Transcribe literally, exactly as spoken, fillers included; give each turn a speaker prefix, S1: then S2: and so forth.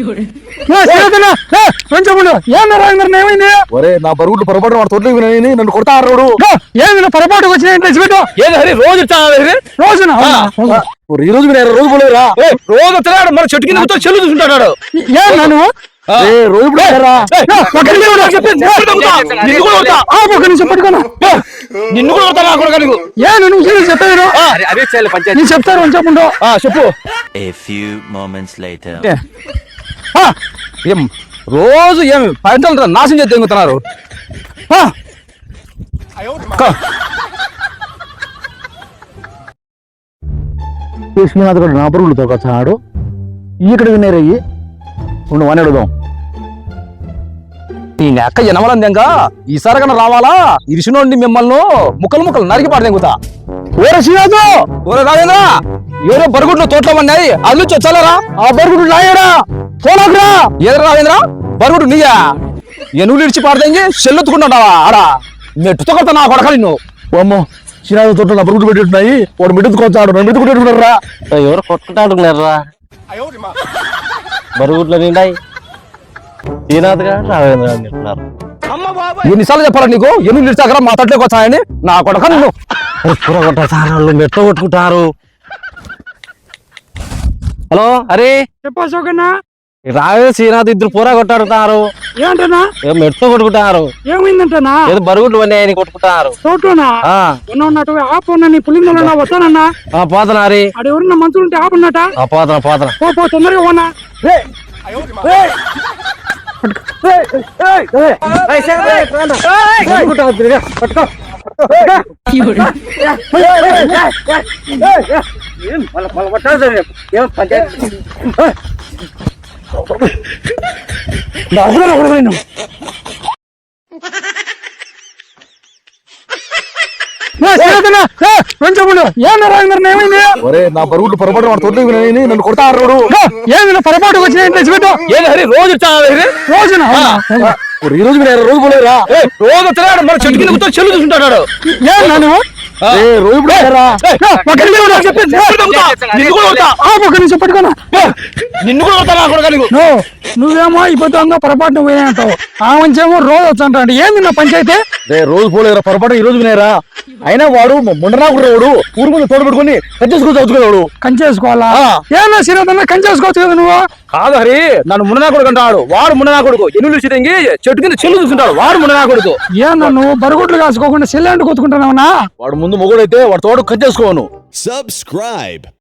S1: ఏమైంది?
S2: ఒరే నా బరుగుడు పొరపాటు వాడు తోటలోకి వినని నన్ను కొడతాడు.
S1: ఏమైనా పొరపాటు వచ్చిన
S2: రోజు
S1: రోజున
S2: ఈ రోజు వినారు రోజు పోలేరా
S3: రోజు వస్తున్నాడు మన చెట్టు కింద కూర్చొని చెల్లు చూసుకుంటాడు.
S1: ఏమన్నా
S2: రోజు
S3: నిన్ను కూడా కొడతా కొడుకు నీకు.
S1: ఏ నువ్వు చెప్పాను నేను చెప్తాను చెప్పండు
S3: చెప్పు. ఏం రోజు ఏమి పంటలు నాశనం చేసి తెంగుతున్నారు.
S2: లక్ష్మీనాథ్ గారు నా బరుగుడు తోకొచ్చాడు. ఇక్కడ వినేరయ్యి ఉండు వని అడుగుదాం.
S3: నీ నెక్క ఎనమలందేంగా ఈసారి కన్నా రావాలా ఇరిసినోండి మిమ్మల్ని ముక్కలు ముక్కలు నరికి పాడు తెంగుతా.
S2: ఓరే శ్రీనాథు
S3: ఓరే రాజేంద్ర ఎవరో బరుగుడ్లు తోటలో పడినాయి అది నుంచి వచ్చాలరా.
S2: ఆ బరుగుడు నాయరా పోలాకురా.
S3: ఏదరా రాజేంద్ర బరుగుడు నీయా ఎనుగులు ఇడిచి పాడదేంగి చెల్లెత్తుకుంటావా ఆడా మెట్టుతో కొడతా నా కొడక నిన్ను.
S2: అమ్మో శ్రీనాథ్ తోట నా బరుగుడు పెట్టున్నాయి వాడు మెట్టుకొచ్చాడు నన్ను మెట్టుకుంటున్నారా.
S4: ఎవరు కొట్టుకుంటాడుకున్నారా బరుగుడ్లు నిండాయి. శ్రీనాథ్ గారు రావేంద్ర గారు చెప్తున్నారు.
S3: ఎన్నిసార్లు చెప్పాలా నీకు ఎనుగులు ఇడిచాకరా మా తట్లోకి వచ్చాయని నా కొడక నిన్ను.
S4: కూర కొట్టారు మెట్ట కొట్టుకుంటారు. హలో అరే
S1: చెప్పా సోకన్నా
S4: రావే శ్రీనాథ్ ఇద్దరు పూర కొట్టాడుతున్నారు.
S1: ఏంటన్నా
S4: మెట్ట కొట్టుకుంటున్నారు.
S1: ఏమైందంటనా?
S4: ఏదో బరుగుడ్లు ఉన్నాయని కొట్టుకుంటున్నారు.
S1: తోటలోనా ఉన్నట్టు ఆపున్నా నీ పులిందలో వస్తానన్నా
S4: పోతనారి
S1: అది ఎవరన్నా మంచులు ఉంటే ఆపున్నట
S4: పోతన పోతన
S1: పో తొందరగా పోనా. ఏమైంది?
S2: ఒరే నా బరుగుడు పొరపాటు వాడు తోటలోకి వినని నన్ను కొడతాడు.
S1: ఏమైనా పొరపాటు వచ్చిన
S3: రోజు
S1: రోజున
S2: ఈ రోజు వినారు రోజు పోలేరా
S3: రోజు వస్తున్నాడు మన చెట్టు కింద కూర్చొని చెల్లు చూసుకుంటాడు.
S2: రోజు
S3: నిన్ను కూడా కొడతా నా కొడక నీకు.
S1: నువ్వేమో ఇప్పుడు పొరపాటు పోయినాంటావు ఆ మంచేమో రోజు వచ్చంటాడు. ఏంది నా పంచాయతీ?
S2: రోజు పోలేరా పొరపాటు ఈ రోజు వినారా. అయినా వాడు ముండనాకుడు వాడు ఊరు ముందు తోడు పెట్టుకుని కంచేసుకోవచ్చు అవుతున్నాడు.
S1: కంచేసుకోవాలా? ఏమన్నా శ్రీనాథ్ కంచేసుకోవచ్చు కదా నువ్వు.
S3: కాదు హరి నన్ను ముననా కొడుకు అంటాడు. వాడు ముననా కొడుకు ఎన్నులు చిరంగి చెట్టు కింద చెల్లు చూసుకుంటాడు. వాడు ముననా కొడుకు.
S1: ఏమన్నా నువ్వు బరుగుడ్లు కాసుకోకుండా చెల్లెండు కొట్టుకుంటున్నావునా?
S2: వాడు ముందు మొగుడైతే వాడు తోడు కంచేసుకోను.
S5: Subscribe.